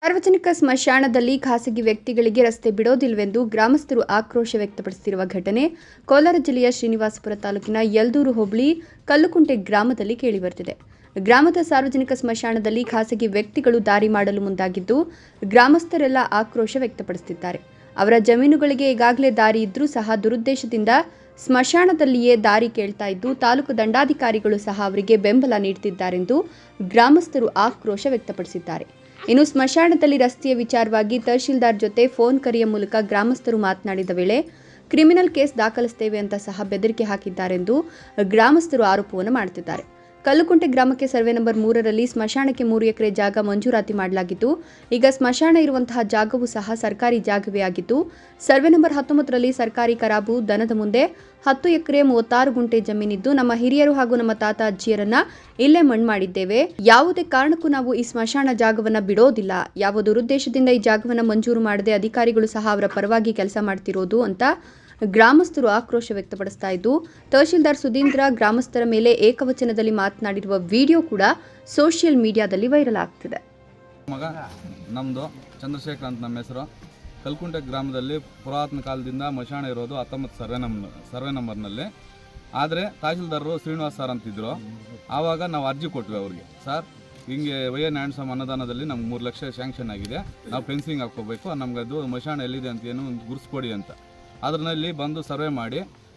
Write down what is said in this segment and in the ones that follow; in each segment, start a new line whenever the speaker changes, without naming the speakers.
ಸಾರ್ವಜನಿಕ ಸ್ಮಶಾನದಲ್ಲಿ ಖಾಸಗಿ ವ್ಯಕ್ತಿಗಳಿಗೆ ರಸ್ತೆ ಬಿಡೋದಿಲ್ಲವೆಂದು ಗ್ರಾಮಸ್ಥರು ಆಕ್ರೋಶ ವ್ಯಕ್ತಪಡಿಸುತ್ತಿರುವ ಘಟನೆ ಕೋಲಾರ ಜಿಲ್ಲೆಯ ಶ್ರೀನಿವಾಸಪುರ ತಾಲೂಕಿನ ಯಲ್ದೂರು ಹೋಬಳಿ ಕಲ್ಲುಕುಂಟೆ ಗ್ರಾಮದಲ್ಲಿ ಕೇಳಿಬರುತ್ತಿದೆ. ಗ್ರಾಮದ ಸಾರ್ವಜನಿಕ ಸ್ಮಶಾನದಲ್ಲಿ ಖಾಸಗಿ ವ್ಯಕ್ತಿಗಳು ದಾರಿ ಮಾಡಲು ಮುಂದಾಗಿದ್ದು, ಗ್ರಾಮಸ್ಥರೆಲ್ಲ ಆಕ್ರೋಶ ವ್ಯಕ್ತಪಡಿಸುತ್ತಿದ್ದಾರೆ. ಅವರ ಜಮೀನುಗಳಿಗೆ ಈಗಾಗಲೇ ದಾರಿ ಇದ್ರೂ ಸಹ ದುರುದ್ದೇಶದಿಂದ ಸ್ಮಶಾನದಲ್ಲಿಯೇ ದಾರಿ ಕೇಳ್ತಾ ಇದ್ದು, ತಾಲೂಕು ದಂಡಾಧಿಕಾರಿಗಳು ಸಹ ಅವರಿಗೆ ಬೆಂಬಲ ನೀಡುತ್ತಿದ್ದಾರೆಂದು ಗ್ರಾಮಸ್ಥರು ಆಕ್ರೋಶ ವ್ಯಕ್ತಪಡಿಸಿದ್ದಾರೆ. ಇನ್ನು ಸ್ಮಶಾನದಲ್ಲಿ ರಸ್ತೆಯ ವಿಚಾರವಾಗಿ ತಹಶೀಲ್ದಾರ್ ಜೊತೆ ಫೋನ್ ಕರೆಯ ಮೂಲಕ ಗ್ರಾಮಸ್ಥರು ಮಾತನಾಡಿದ ವೇಳೆ ಕ್ರಿಮಿನಲ್ ಕೇಸ್ ದಾಖಲಿಸುತ್ತೇವೆ ಅಂತ ಸಹ ಬೆದರಿಕೆ ಹಾಕಿದ್ದಾರೆಂದು ಗ್ರಾಮಸ್ಥರು ಆರೋಪವನ್ನು ಮಾಡುತ್ತಿದ್ದಾರೆ. ಕಲ್ಲುಕುಂಟೆ ಗ್ರಾಮಕ್ಕೆ ಸರ್ವೆ ನಂಬರ್ 3ರಲ್ಲಿ ಸ್ಮಶಾನಕ್ಕೆ 3 ಎಕರೆ ಜಾಗ ಮಂಜೂರಾತಿ ಮಾಡಲಾಗಿದ್ದು, ಈಗ ಸ್ಮಶಾನ ಇರುವಂತಹ ಜಾಗವೂ ಸಹ ಸರ್ಕಾರಿ ಜಾಗವೇ ಆಗಿದ್ದು, ಸರ್ವೆ ನಂಬರ್ 19ರಲ್ಲಿ ಸರ್ಕಾರಿ ಕರಾಬು ದನದ ಮುಂದೆ 10 ಎಕರೆ 36 ಗುಂಟೆ ಜಮೀನಿದ್ದು, ನಮ್ಮ ಹಿರಿಯರು ಹಾಗೂ ನಮ್ಮ ತಾತ ಅಜ್ಜಿಯರನ್ನ ಇಲ್ಲೇ ಮಣ್ಣು ಮಾಡಿದ್ದೇವೆ. ಯಾವುದೇ ಕಾರಣಕ್ಕೂ ನಾವು ಈ ಸ್ಮಶಾನ ಜಾಗವನ್ನ ಬಿಡೋದಿಲ್ಲ. ಯಾವ ದುರುದ್ದೇಶದಿಂದ ಈ ಜಾಗವನ್ನ ಮಂಜೂರು ಮಾಡದೆ ಅಧಿಕಾರಿಗಳು ಸಹ ಅವರ ಪರವಾಗಿ ಕೆಲಸ ಮಾಡ್ತಿರೋದು ಅಂತ ಗ್ರಾಮಸ್ಥರು ಆಕ್ರೋಶ ವ್ಯಕ್ತಪಡಿಸ್ತಾ ಇದ್ದು, ತಹಶೀಲ್ದಾರ್ ಸುಧೀಂದ್ರ ಗ್ರಾಮಸ್ಥರ ಮೇಲೆ ಏಕವಚನದಲ್ಲಿ ಮಾತನಾಡಿರುವ ವಿಡಿಯೋ ಕೂಡ ಸೋಷಿಯಲ್ ಮೀಡಿಯಾದಲ್ಲಿ ವೈರಲ್ ಆಗ್ತಿದೆ.
ಮಗ ನಮ್ಮದು ಚಂದ್ರಶೇಖರ್ ಅಂತ ನಮ್ಮ ಹೆಸರು. ಕಲ್ಕುಂಟೆ ಗ್ರಾಮದಲ್ಲಿ ಪುರಾತನ ಕಾಲದಿಂದ ಮಶಾಣ ಇರೋದು 19 ಸರ್ವೆ ನಂಬರ್ನಲ್ಲಿ. ಆದರೆ ತಹಶೀಲ್ದಾರರು ಶ್ರೀನಿವಾಸ್ ಸರ್ ಅಂತಿದ್ರು. ಆವಾಗ ನಾವು ಅರ್ಜಿ ಕೊಟ್ವಿ ಅವ್ರಿಗೆ, ಸರ್ ಹಿಂಗೆ ವೈ.ಎನ್. ಆ್ಯಂಡ್ ಅನುದಾನದಲ್ಲಿ ನಮ್ಗೆ 3 ಲಕ್ಷ ಸ್ಯಾಂಕ್ಷನ್ ಆಗಿದೆ, ನಾವು ಫೆನ್ಸಿಂಗ್ ಹಾಕ್ಕೋಬೇಕು, ನಮ್ಗೆ ಅದು ಮಶಾಣ ಎಲ್ಲಿದೆ ಅಂತ ಏನು ಗುರುಸ್ಕೊಡಿ ಅಂತ. ಅದರಲ್ಲಿ ಬಂದು ಸರ್ವೆ ಮಾಡಿ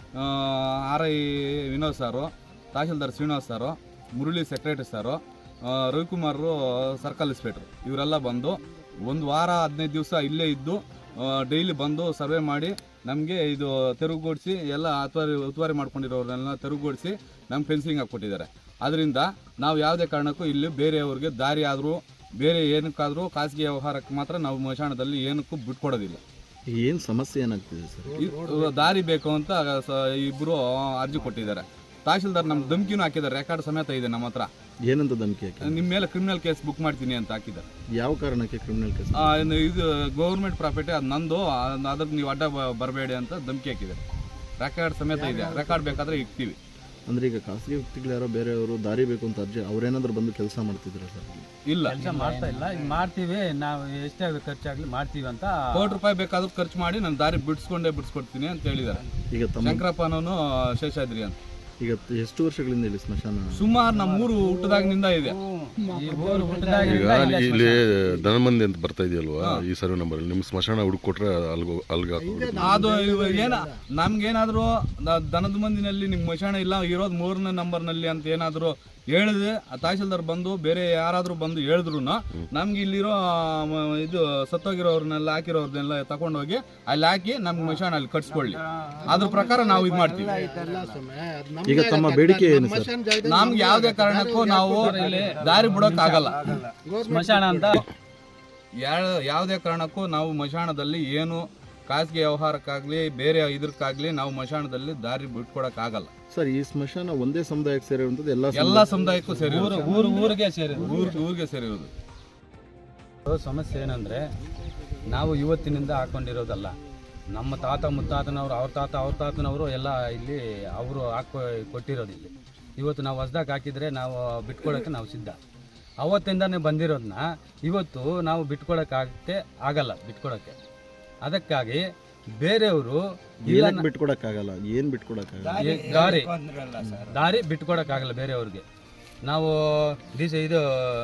RI ವಿನೋದ್ ಸಾರು, ತಹಶೀಲ್ದಾರ್ ಶ್ರೀನಿವಾಸ್ ಸಾರು, ಮುರಳಿ ಸೆಕ್ರೆಟರಿ ಸಾರು, ರವಿಕುಮಾರ್ ಸರ್ಕಲ್ ಇನ್ಸ್ಪೆಕ್ಟ್ರು ಇವರೆಲ್ಲ ಬಂದು 1 ವಾರ 15 ದಿವಸ ಇಲ್ಲೇ ಇದ್ದು ಡೈಲಿ ಬಂದು ಸರ್ವೆ ಮಾಡಿ ನಮಗೆ ಇದು ತೆರವುಗೊಳಿಸಿ ಎಲ್ಲ ಉತ್ತುವಾರಿ ಮಾಡ್ಕೊಂಡಿರೋರನ್ನೆಲ್ಲ ತೆರವುಗೊಳಿಸಿ ನಮ್ಗೆ ಫೆನ್ಸಿಂಗ್ ಹಾಕ್ಕೊಟ್ಟಿದ್ದಾರೆ. ಅದರಿಂದ ನಾವು ಯಾವುದೇ ಕಾರಣಕ್ಕೂ ಇಲ್ಲಿ ಬೇರೆಯವ್ರಿಗೆ ದಾರಿ ಆದರೂ ಬೇರೆ ಏನಕ್ಕಾದರೂ ಖಾಸಗಿ ವ್ಯವಹಾರಕ್ಕೆ ಮಾತ್ರ ನಾವು ಮಶಾಣದಲ್ಲಿ ಏನಕ್ಕೂ ಬಿಟ್ಕೊಡೋದಿಲ್ಲ.
ಏನು ಸಮಸ್ಯೆ ಏನಾಗ್ತಿದೆ ಸರ್?
ದಾರಿ ಬೇಕು ಅಂತ ಇಬ್ಬರು ಅರ್ಜಿ ಕೊಟ್ಟಿದ್ದಾರೆ. ತಹಶೀಲ್ದಾರ್ ನಮ್ಮ ಧಮಕಿನೂ ಹಾಕಿದ್ದಾರೆ, ರೆಕಾರ್ಡ್ ಸಮೇತ ಇದೆ ನಮ್ಮ ಹತ್ರ.
ಏನಂತ ಧಮಕಿ ಹಾಕಿ?
ನಿಮ್ಮ ಮೇಲೆ ಕ್ರಿಮಿನಲ್ ಕೇಸ್ ಬುಕ್ ಮಾಡ್ತೀನಿ ಅಂತ ಹಾಕಿದ್ದಾರೆ.
ಯಾವ ಕಾರಣಕ್ಕೆ ಕ್ರಿಮಿನಲ್ ಕೇಸ್?
ಇದು ಗೌರ್ಮೆಂಟ್ ಪ್ರಾಪರ್ಟಿ, ಅದು ನಂದು, ಅದಕ್ಕೆ ನೀವು ಅಡ್ಡ ಬರಬೇಡಿ ಅಂತ ಧಮಕಿ ಹಾಕಿದ್ದಾರೆ. ರೆಕಾರ್ಡ್ ಸಮೇತ ಇದೆ, ರೆಕಾರ್ಡ್ ಬೇಕಾದ್ರೆ ಇಕ್ತೀವಿ.
ಅಂದ್ರೆ ಈಗ ಖಾಸಗಿ ವ್ಯಕ್ತಿಗಳು ಯಾರೋ ಬೇರೆಯವರು ದಾರಿ ಬೇಕು ಅಂತ ಅರ್ಜಿ ಅವ್ರೇನಾದ್ರೂ ಬಂದು ಕೆಲಸ ಮಾಡ್ತಿದ್ರು ಸರ್?
ಇಲ್ಲ, ಕೆಲಸ ಮಾಡ್ತಾ ಇಲ್ಲ. ಮಾಡ್ತೀವಿ, ನಾವು ಎಷ್ಟೇ ಖರ್ಚಾಗ್ಲಿ ಮಾಡ್ತೀವಿ ಅಂತ.
₹1 ಬೇಕಾದ್ರೂ ಖರ್ಚು ಮಾಡಿ ನಾನು ದಾರಿ ಬಿಡಿಸ್ಕೊಡ್ತೀನಿ ಅಂತ ಹೇಳಿದ್ದಾರೆ. ಈಗ ಶಂಕರಪ್ಪನವನು ಶೇಷಾದ್ರಿ ಅಂತ.
ಈಗ ಎಷ್ಟು ವರ್ಷಗಳಿಂದ ಇಲ್ಲಿ ಸ್ಮಶಾನ?
ಸುಮಾರು ನಮ್ಮ ಊರು ಹುಟ್ಟದಾಗಿನಿಂದ ಇದೆ.
ಈಗ ಇಲ್ಲಿ ದನಮಂದಿ ಅಂತ ಬರ್ತಾ ಇದೆಯಲ್ವಾ ಈ ಸರ್ವೆ ನಂಬರ್, ನಿಮ್ಗೆ ಸ್ಮಶಾನ ಹುಡುಕೊಟ್ರೆ
ಅದು ಏನ ನಮ್ಗೇನಾದ್ರು ದನದ ಮಂದಿನಲ್ಲಿ ನಿಮ್ ಮಶಾಣ ಇಲ್ಲ ಇರೋದು 3ನೇ ನಂಬರ್ನಲ್ಲಿ ಅಂತ ಏನಾದ್ರು ಹೇಳಿದ್ರೆ ತಹಶೀಲ್ದಾರ್ ಬಂದು ಬೇರೆ ಯಾರಾದ್ರೂ ಬಂದು ಹೇಳಿದ್ರು ನಮ್ಗೆ ಇಲ್ಲಿರೋ ಇದು ಸತ್ತೋಗಿರೋರ್ನೆಲ್ಲ ಹಾಕಿರೋರ್ನೆಲ್ಲ ತಗೊಂಡೋಗಿ ಅಲ್ಲಿ ಹಾಕಿ ನಮ್ಗೆ ಮಶಾಣ ಅಲ್ಲಿ ಕಟ್ಸ್ಕೊಳ್ಳಿ, ಅದ್ರ ಪ್ರಕಾರ ನಾವು ಇದು ಮಾಡ್ತೀವಿ.
ಈಗ ತಮ್ಮ ಬೇಡಿಕೆ ಏನು ಸರ್?
ನಮ್ಗೆ ಯಾವುದೇ ಕಾರಣಕ್ಕೂ ನಾವು ದಾರಿ ಬಿಡೋಕ್ ಆಗಲ್ಲ.
ಸ್ಮಶಾನ ಅಂತ
ಯಾವುದೇ ಕಾರಣಕ್ಕೂ ನಾವು ಮಶಾಣದಲ್ಲಿ ಏನು ಖಾಸಗಿ ವ್ಯವಹಾರಕ್ಕಾಗ್ಲಿ ಬೇರೆ ಇದಕ್ಕಾಗ್ಲಿ ನಾವು ಮಶಾಣದಲ್ಲಿ ದಾರಿ ಬಿಟ್ಕೊಡಕ್ ಆಗಲ್ಲ
ಸರ್. ಈ ಸ್ಮಶಾನ ಒಂದೇ ಸಮುದಾಯಕ್ಕೆ ಸೇರಿರುವಂತದ್ದು?
ಎಲ್ಲ ಸಮುದಾಯಕ್ಕೂ ಸೇರಿ
ಊರಿಗೆ
ಸೇರಿರೋದು.
ಸಮಸ್ಯೆ ಏನಂದ್ರೆ, ನಾವು ಇವತ್ತಿನಿಂದ ಹಾಕೊಂಡಿರೋದಲ್ಲ, ನಮ್ಮ ತಾತ ಮುತ್ತಾತನವರು, ಅವ್ರ ತಾತನವರು ಎಲ್ಲ ಇಲ್ಲಿ ಅವರು ಕೊಟ್ಟಿರೋದು. ಇಲ್ಲಿ ಇವತ್ತು ನಾವು ಹೊಸ್ದಾಗಿ ಹಾಕಿದ್ರೆ ನಾವು ಬಿಟ್ಕೊಡೋಕ್ಕೆ ನಾವು ಸಿದ್ಧ. ಅವತ್ತಿಂದಾನೇ ಬಂದಿರೋದನ್ನ ಇವತ್ತು ನಾವು ಆಗಲ್ಲ ಬಿಟ್ಕೊಡೋಕ್ಕೆ. ಅದಕ್ಕಾಗಿ ಬೇರೆಯವರು
ಬಿಟ್ಕೊಡಕ್ಕಾಗಲ್ಲ. ಏನು ಬಿಟ್ಕೊಡಕ್ಕಾಗಲ್ಲ?
ದಾರಿ ಬಿಟ್ಕೊಡಕ್ಕಾಗಲ್ಲ ಬೇರೆಯವ್ರಿಗೆ. ನಾವು ಇದು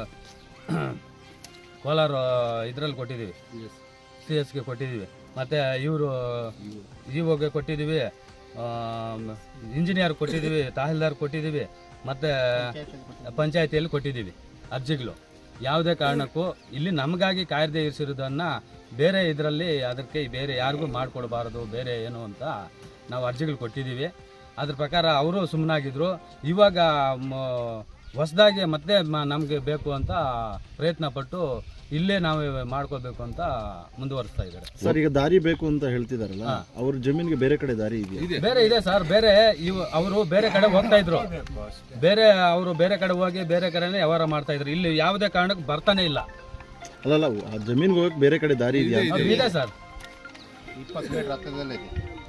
ಕೋಲಾರ ಇದರಲ್ಲಿ ಕೊಟ್ಟಿದ್ದೀವಿ, CS ಕೊಟ್ಟಿದ್ದೀವಿ, ಮತ್ತು ಇವರು ಗೆ ಕೊಟ್ಟಿದ್ದೀವಿ, ಇಂಜಿನಿಯರ್ ಕೊಟ್ಟಿದ್ದೀವಿ, ತಹಶೀಲ್ದಾರ್ ಕೊಟ್ಟಿದ್ದೀವಿ, ಮತ್ತು ಪಂಚಾಯತಿಯಲ್ಲಿ ಕೊಟ್ಟಿದ್ದೀವಿ ಅರ್ಜಿಗಳು. ಯಾವುದೇ ಕಾರಣಕ್ಕೂ ಇಲ್ಲಿ ನಮಗಾಗಿ ಕಾಯ್ದೆ ಇರಿಸಿರೋದನ್ನು ಬೇರೆ ಇದರಲ್ಲಿ ಅದಕ್ಕೆ ಬೇರೆ ಯಾರಿಗೂ ಮಾಡಿಕೊಡ್ಬಾರ್ದು ಬೇರೆ ಏನು ಅಂತ ನಾವು ಅರ್ಜಿಗಳು ಕೊಟ್ಟಿದ್ದೀವಿ. ಅದ್ರ ಪ್ರಕಾರ ಅವರು ಸುಮ್ಮನಾಗಿದ್ದರು. ಇವಾಗ ಹೊಸದಾಗಿ ಮತ್ತೆ ನಮಗೆ ಬೇಕು ಅಂತ ಪ್ರಯತ್ನ ಪಟ್ಟು ಇಲ್ಲೇ ನಾವು ಮಾಡ್ಕೋಬೇಕು ಅಂತ ಮುಂದುವರಿಸ್ತಾ ಇದ್ದಾರೆ
ಸರ್. ಈಗ ದಾರಿ ಬೇಕು ಅಂತ ಹೇಳ್ತಿದಾರಲ್ಲ, ಅವ್ರ ಜಮೀನಿಗೆ ಬೇರೆ ಕಡೆ ದಾರಿ ಇದೆಯಾ?
ಬೇರೆ ಇದೆ ಸರ್. ಬೇರೆ ಅವರು ಬೇರೆ ಕಡೆ ಹೋಗ್ತಾ ಇದ್ರು, ಅವರು ಬೇರೆ ಕಡೆ ಹೋಗಿ ಬೇರೆ ಕಡೆನೇ ವ್ಯವಹಾರ ಮಾಡ್ತಾ ಇದ್ರು. ಇಲ್ಲಿ ಯಾವುದೇ ಕಾರಣಕ್ಕೂ ಬರ್ತಾನೆ ಇಲ್ಲ.
ಅಲ್ಲಲ್ಲ, ಆ ಜಮೀನ್ಗೆ ಹೋಗಕ್ಕೆ ಬೇರೆ ಕಡೆ ದಾರಿ ಇದೆಯಾ?
ಇದೆ ಸರ್,
20 ಮೀಟರ್ ಹತ್ತಿರದಲ್ಲೇ ಇದೆ.